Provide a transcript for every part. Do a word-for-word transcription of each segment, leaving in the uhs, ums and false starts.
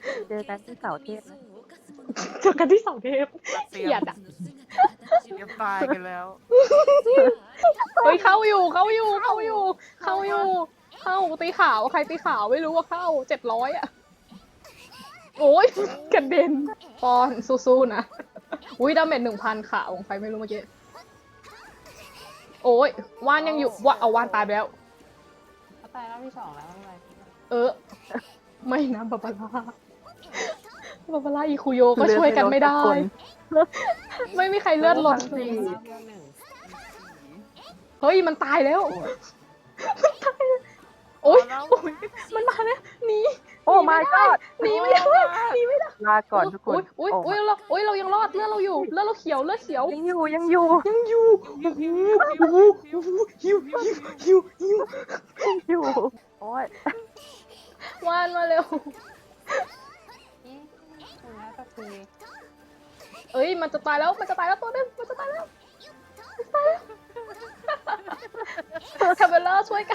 เจอกันที่เสาเทพนะเจอกันที่เสาเทพเตรีเกลียยมดอ่ะเตรียมตายกันแล้วเฮ้ยเข้าอยู่เข้าอยู่เข้าอยู่เข้าอยู่เข้าตีขาวใครตีขาวไม่รู้ว่าเข้าเจ็ดร้อยอ่ะโอ้ยกระเด็นปอนสู้ๆนะอุ้ยดาเมจหนึ่งพันขาวของใครไม่รู้เมื่อกี้โอ้ยว่านยังอยู่ว่าเอาว่านตายไปแล้วเขาตายรอบที่สองแล้วไม่เป็นไรเออ ไม่นะบาบาร่าบาบาร่าอีคุโยก็ช่วยกันไม่ได้ ไม่มีใครเลือดลดเลยรอบเดียวหนึ่งเฮ้ยมันตายแล้วมันตายแล้วโอ๊ยโอ๊ยมันมาแล้วหนีโอ้ my god หนีไม่ได้หนีไม่ได้ลาก่อนทุกคนอุ้ยอุ้ยอุ้ยเราอุ้ยเรายังรอดเลือดเราอยู่เลือดเราเขียวเลือดเขียวยังอยู่ยังอยู่ยังอยู่โอ้โหโอ้โหโอ้โหหิวหิวหิวหิวยังอยู่โอ้ยวานมาเร็วนี่คุณน่าจะคุยเอ้ยมันจะตายแล้วมันจะตายแล้วตัวนึงมันจะตายแล้วมันจะตายแล้วคาเบลเลอร์ช่วยกัน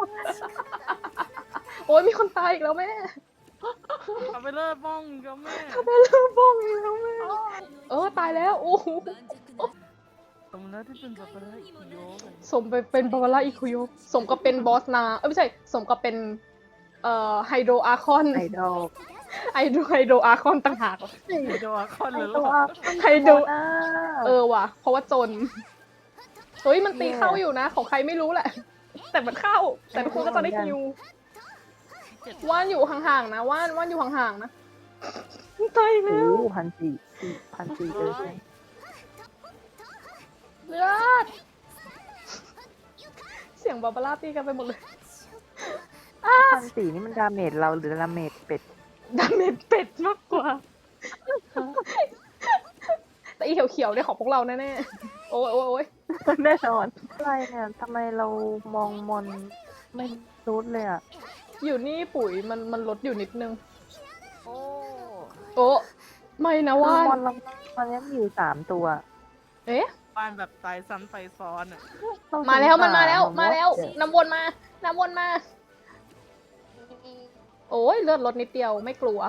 โอ้ยมีคนตายอีกแล้วแม่เอาไปเลิศบ้องก็แม่คาเบลเลอร์บ้องอีกแล้วแม่ เออตายแล้วโอ้โหสมแล้วที่เป็นสับปะรดอีกโยกเลยสมไปเป็นบาบาร่าอิคุโยสมกับเป็นบอสนาเอ้ยไม่ใช่สมกับเป็นเอ่อไฮโดรอาร์คอนไอดอลไฮโดรไฮโดรอาร์คอนต่างหากโดนคอนเลยหรตัอวไฮโดรอ้าเออว่ะเพราะว่าจนเฮ้ยมันตีเข้าอยู่นะ ของใครไม่รู้แหละ แต่มันเข้า แต่ทุกคนก็จะได้ฮิวว่านอยู่ห่างๆนะว่านว่านอยู่ห่างๆนะตายโอ้แล้วพันสี่พันสี่เลยใช่ไหมเลือดเสียงบาบาร่าตีกันไปหมดเลยพันสี่นี่มันดาเมจเราหรือดาเมจเป็ดดาเมจเป็ดมากกว่า แต่อีเขียวๆเนี่ยของพวกเราแน่ๆ โอ้ยโอ้ยโอ้ยแน่นอนอะไรเนี่ยทำไมเรามองมอนไม่รู้เลยอ่ะอยู่นี่ปุ๋ยมันมันลดอยู่นิดนึงโอ้โอ้ไม่นะคือว่านมอนเรามันยังมีอยู่สามตัวเอ๊ะบ้านแบบตายซ้ำตายซ้อนอ่ะเรมาแล้วมันมาแล้วสงสรมาแล้วเนอะน้ำวนมา น้ำวนมา โอ้ยเลือดลดนิดเดียวไม่กลัว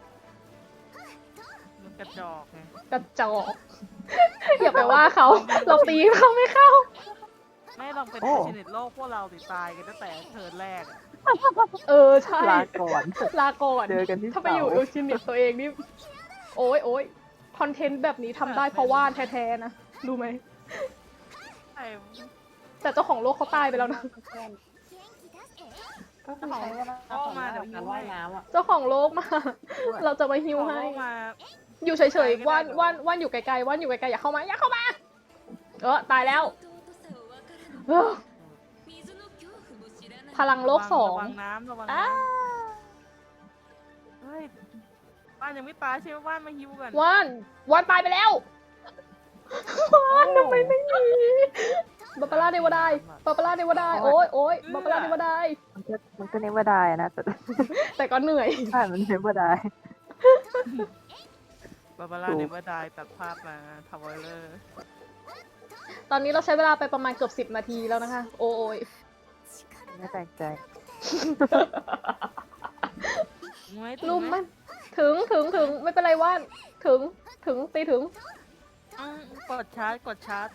มันกระจอกไงกระจอก อย่าไปว่าเขา เราตีเขาไม่เข้าไม่ลองเป็นชนิดโลกพวกเราติดตายกันตั้งแต่เทิร์นแรกอะเออใช่ลาก่อนลาก่อนเจอกันที่ถ้าไปอยู่เสาเอลชินิตตัวเองนี่ โอ้ยโอ้ยคอนเทนต์แบบนี้ทำได้เพราะว่านแท้ๆนะ รู้ไหมใช่แต่เจ้าของโลกเขาตายไปแล้วนะเพื่อนก็คือใช้เวลาต่อมาเดี๋ยวการว่ายน้ำอ่ะเจ้าของโลกมา เราจะมาฮิวให้เขามาอยู่เฉยๆว่านว่านว่านอยู่ไกลๆว่านอยู่ไกลๆอย่าเข้ามา อย่าเข้ามา เออตายแล้วเออพลังโลกสองระวังน้ำระวังอ้าน้ำเฮ้ยบ้านยังไม่ตายใช่ไหมบ้านมาฮิวกันว่านว่านตายไปแล้วว่านทำไมไม่หนีบาบาร่าเดวดายบาบาร่าเดวดายโอ้ยโอ้ยบาบาร่าเดวดายมันก็มันก็เนวดายนะแต่แต่ก็เหนื่อยใช่มันเนวดายบาบาร่าเนเวอร์ไดตัดภาพมาทาวเวอร์ตอนนี้เราใช้เวลาไปประมาณเกือบสิบนาทีแล้วนะคะ โอ้ยไม่แปลกใจลุมมันถึงถึงถึงไม่เป็นไรว่านถึงถึงตีถึงอืมกดชาร์จกดชาร์จ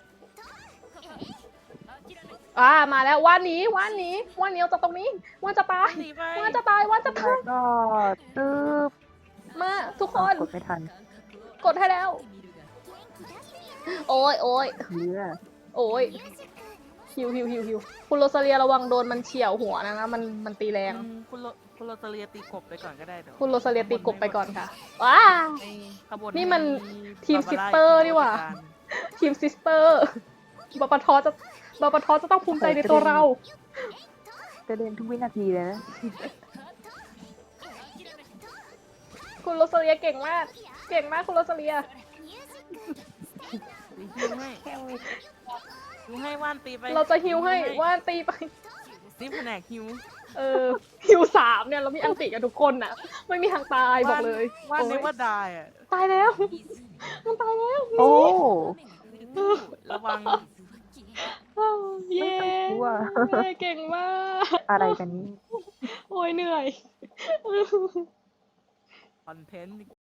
อ่ามาแล้วว่านหนี้ว่านหนี้ว่านหนี้เอาจากตรงนี้ว่านจะตายหนีไปว่านจะตายว่านจะแล้ตาวย ก็ตึ๊บมาทุกคนกดไม่ทันกดให้แล้ว โอ้ยโอ้ยเนื้อโอ้ยฮิวฮิวฮิวฮิวคุณโรซาเลียระวังโดนมันเฉี่ยวหัวนะนะมันมันตีแรงอืมคุณโรคุณโรตาเลียตีกบไปก่อนก็ได้เดี๋ยวคุณโรซาเลียตีกบไปก่อนค่ะว้าไอ้ขบวนนี่มันให้ทีมบาบาร่า sister นี่หว่าจัดกรทีมซิสเตอร์บาปะทอจะบาปะทอจะต้องภูมิใจในตัวเราจะเดินทุกวินาทีเลยนะคุณโรซาเลียเก่งมาก เก่งมากคุณโรซาเลียฮิวให้ฮิวให้ว่านตีไปเราจะฮิวให้ว่านตีไปซิปแผนกฮิวเออฮิวสามเนี่ยเรามีอันติกันทุกคนน่ะ ไม่มีทางตายบอกเลยว่านโอ๊เนยว่าได้อะตายแล้ว มันตายแล้วโอ้ระวังเย้ไม่ต้องกลัวเย้เก่งมากอะไรกันนี้โอ้ยเหนื่อยอนเทนต์